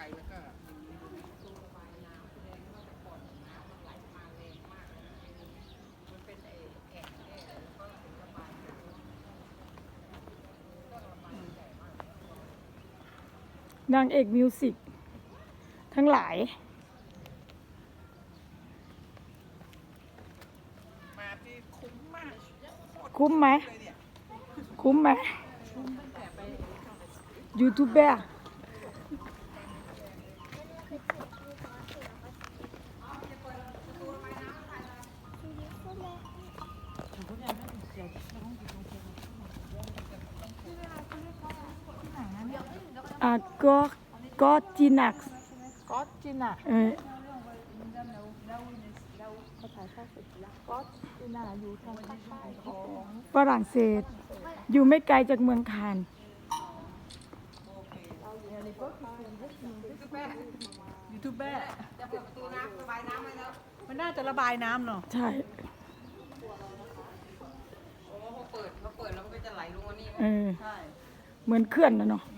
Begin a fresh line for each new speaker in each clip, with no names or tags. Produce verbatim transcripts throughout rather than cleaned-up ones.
แล้วก็
นางเอกมิวสิกทั้งหลาย
มาที่คุ้มมาก
คุ้มไหม คุ้มไหมยูทูบเบอร์อ่ะก็ก็จีนัก
ก็จิน่ะ
เออ
เขาถ่ายทอดสดแล้วก็จิน่ะอยู่ทางภาคใต้ของ
ฝรั่งเศส อยู่ไม่ไกลจากเมืองคาน
ยูทูบเบอร์จะเปิดประตูน้ำระบายน้ำไหมแล้วมันน่าจะระบายน้ำเนาะ
ใช่
โอ้เขาเปิดเขาเปิดแล้วมันก็จะไหลลงมานี่
เออ
ใช่
เหมือนเขื่อนนะเนาะ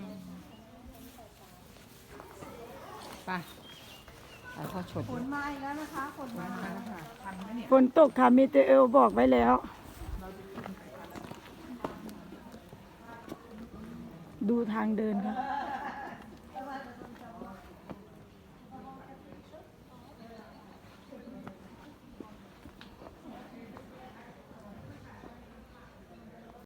ไปถ่ายทอดสด
ฝนมาอีกแล้วนะคะฝนมา
ทันไหมเนี่ย
ฝนตกค่ะมีเตเอลบอกไว้แล้ว ดูทางเดินค่ะ